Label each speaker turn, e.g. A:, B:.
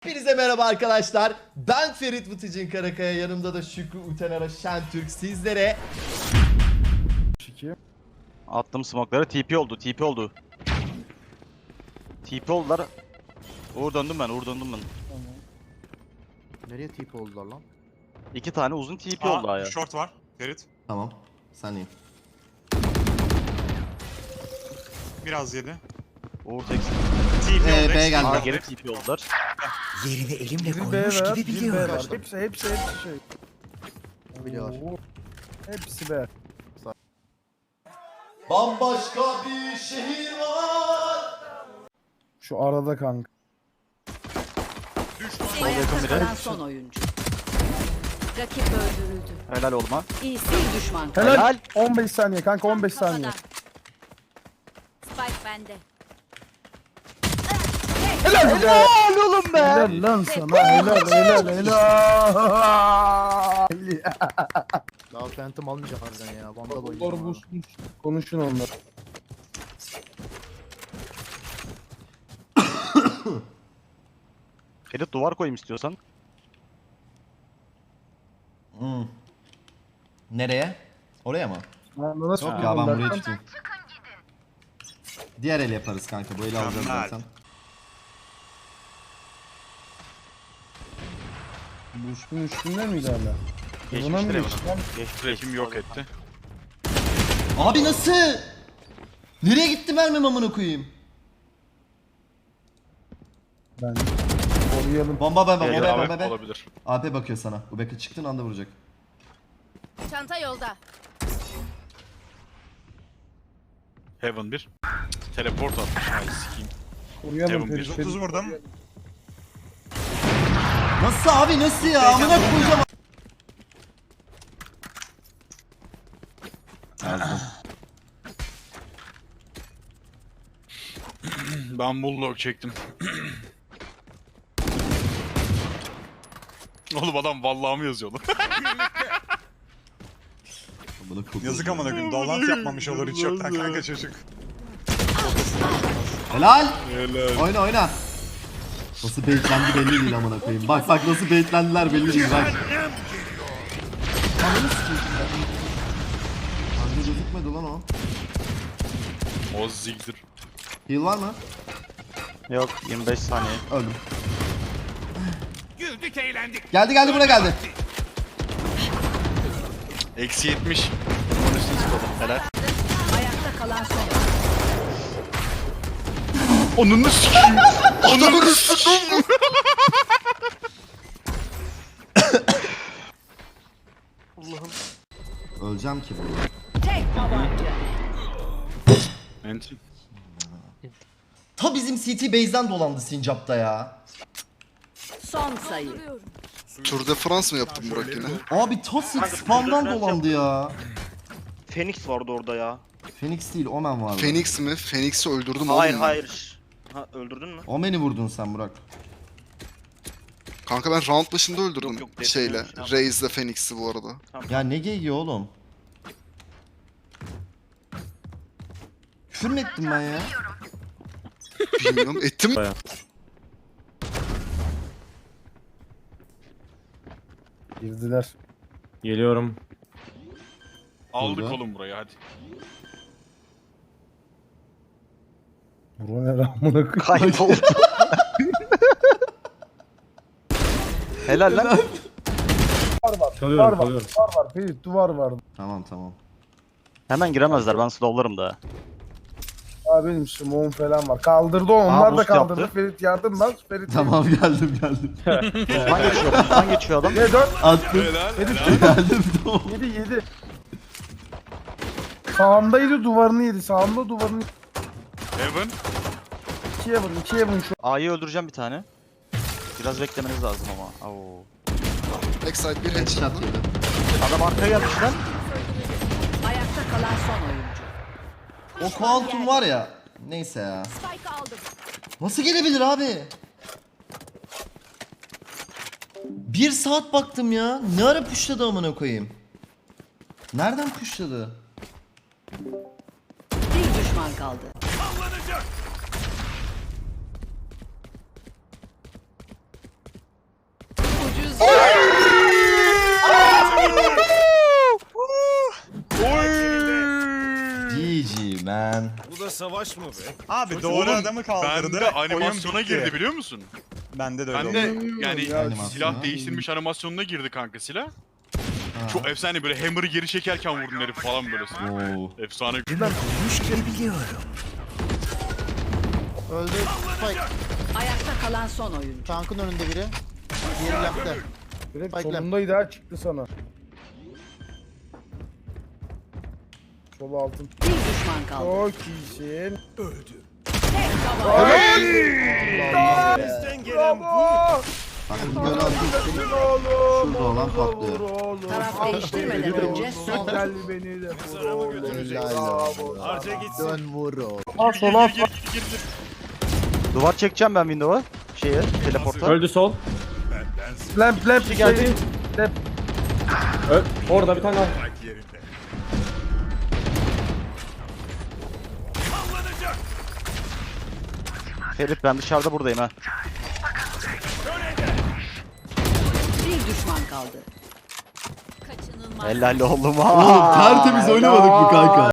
A: Hepinize merhaba arkadaşlar. Ben Ferit Vıtıcın Karakaya. Yanımda da Şükrü Utenara Şentürk sizlere.
B: Attım smoke'ları. TP oldu. TP oldular. Uğur döndüm ben.
C: Tamam. Nereye tip oldular lan?
B: 2 tane uzun TP oldu ya.
D: Short var. Ferit.
A: Tamam. Sen iyi.
D: Biraz yedi.
B: Uğur tek.
D: TP oldu.
A: B geldi.
B: Aa, geri TP oldular.
E: Yerini elimle
C: Bir B
E: koymuş
C: var,
E: gibi
C: bir B
E: biliyorum.
C: var. Hepsi şey.
A: Biliyorlar.
C: Oo. Hepsi B.
A: Bambaşka bir şehir var.
C: Şu arada kanka.
F: Ayakta kalan son oyuncu. Rakip öldürüldü.
B: Helal olma.
F: İyisi bir düşman.
C: Helal.
B: Helal.
C: 15 saniye kanka 15 saniye.
F: Spike bende.
C: Helal be.
B: Helal oğlum be.
C: Helal lan sana. Helal. Daha Phantom almayacak harbiden ya. Vandal
G: Onlar
C: oynayacağım.
G: busmuş.
C: Konuşun onlar.
B: Ferit duvar koyayım istiyorsan.
A: Nereye? Oraya mı?
C: Nasıl
A: Yok ya ben
C: buldun
A: burayı
C: Berkan?
A: tutayım. Diğer el yaparız kanka. Bu eli alacağız
D: Mükemmel.
A: zaten.
C: Boost'un üstünde miydi hala? Buna
B: Geçmiştir
C: mı
B: Evan.
C: geçti lan?
B: Geçtim yok etti.
A: Abi nasıl? Nereye gitti mermim amına koyayım?
C: Ben koruyalım.
A: Bomba ben
B: Gel,
A: bomba.
B: olabilir.
A: AP bakıyor sana. Bu beka çıktığın anda vuracak.
F: Çanta yolda.
H: Heaven 1. Teleport atmış. Ay sikeyim.
C: Koruyalım.
H: Devon
C: Ferit,
D: 130
C: Ferit.
D: vurdum.
A: Nasıl abi nasıl ya? Amına koyacağım. Yazdım.
H: Ben bulldog çektim. Oğlum adam vallahi mı yazıyor lan?
A: Amına koyayım.
D: Yazık amına koyayım. Dolant yapmamış olur hiç yoktan kanka çocuk.
A: Helal.
H: Helal.
A: Oyna. Nasıl baitlendi belli değil amına koyayım. Bak nasıl baitlendiler belli değil bak. Ananı sikeyim. Kanka gözükmedi lan o.
H: O zigdir.
A: Heal var mı?
B: Yok 25 saniye.
A: Öldüm. Güldük eğlendik. Geldi buna geldi.
H: Eksi 70.
B: Bunun üstüne çıkalım. Helal.
F: Ayakta kalan son oyuncu.
H: Onunu sikeyim. Onunu sikeyim.
A: Öleceğim ki bunu.
F: Tek tabanca.
H: Enti.
A: Ta bizim CT base'den dolandı Sincap'ta ya.
F: Son sayı.
I: Tour de France mı yaptın Burak yine?
A: Abi ta spam'dan dolandı ya.
J: Phoenix vardı orada ya.
A: Phoenix değil Omen vardı.
I: Phoenix mi? Phoenix'i öldürdüm
J: Hayır
I: oğlum ben.
J: hayır. Ha öldürdün mü?
A: Omen'i vurdun sen Burak.
I: Kanka ben round başında öldürdüm
J: Yok, yok,
I: şeyle.
J: defne-
I: Raze'le Phoenix'i bu arada.
A: Ya ne geyiği oğlum? Küfür mü ettim ben ya?
I: Bilmiyorum ettim.
C: Girdiler.
G: Geliyorum.
H: Aldık
A: Oldu.
H: oğlum burayı hadi.
C: Bro ne ramına koyayım.
B: Kayboldu. Helal lan.
G: Çalıyorum, çalıyorum.
C: Duvar var. Ferit duvar var.
A: Tamam.
B: Hemen giremezler. Ben slowlarım da.
C: Aa benim smoke'um falan var. Kaldırdı o. Onlar da
B: boost
C: kaldırdı.
B: yaptı.
C: Ferit yardım lan. Ferit.
A: Tamam geldim.
B: Uzman geçiyor adam.
C: Ne 4?
A: Attım. Geldim tamam.
C: 7. Sağımdaydı duvarını yedi. Sağımda duvarını
H: Heaven.
C: 2'ye vurun şu.
B: A'yı öldüreceğim bir tane. Biraz beklemeniz lazım ama. Oo.
I: Backside bir headshot.
A: Headshot yedi.
B: Adam arkaya gelmiş lan.
F: Ayakta kalan son oyuncu.
A: O kuantum var ya. Neyse ya.
F: Spike aldım.
A: Nasıl gelebilir abi? 1 saat baktım ya. Ne ara pushladı amına koyayım? Nereden pushladı?
F: Bir düşman kaldı.
A: man.
D: Abi doğru adamı
H: Ben
D: kaldırdı.
H: de
D: oyun
H: animasyona
D: bitti.
H: girdi biliyor musun?
D: Bende de öyle
H: Ben
D: oldu.
H: de yani
C: Ya,
A: animasyon
H: silah
A: ha.
H: değiştirmiş animasyonuna girdi kanka silah.
A: Ha.
H: Çok efsane böyle hammer'ı geri çekerken vurdun herif falan böyle.
A: Oo.
H: Efsane.
E: Duymuş gibi biliyorum.
K: Öldü. Spike.
F: Ayakta kalan son oyuncu.
K: Tankın önünde biri. Diğeri lampte.
C: Direkt
K: Spike'le.
C: solundaydı ha çıktı sana. Solu altın.
F: Bir düşman kaldı.
C: Çok iyisin.
A: Takım böyle atıyor. Şurada olan patlıyor.
F: Taraf değiştirmeden önce son.
C: Gel beni de vur oğlum.
K: Helal olsun. Dön vur o.
C: Ha sola
B: Duvar çekeceğim ben window'a. Teleporta.
G: Öldü sol.
C: lamp lamp
B: geldi.
G: Orada bir tane daha.
B: Ferit ben dışarıda buradayım ha.
F: Bir düşman kaldı.
B: Helal oğlum
A: Oğlum tertemiz oynamadık mı kanka?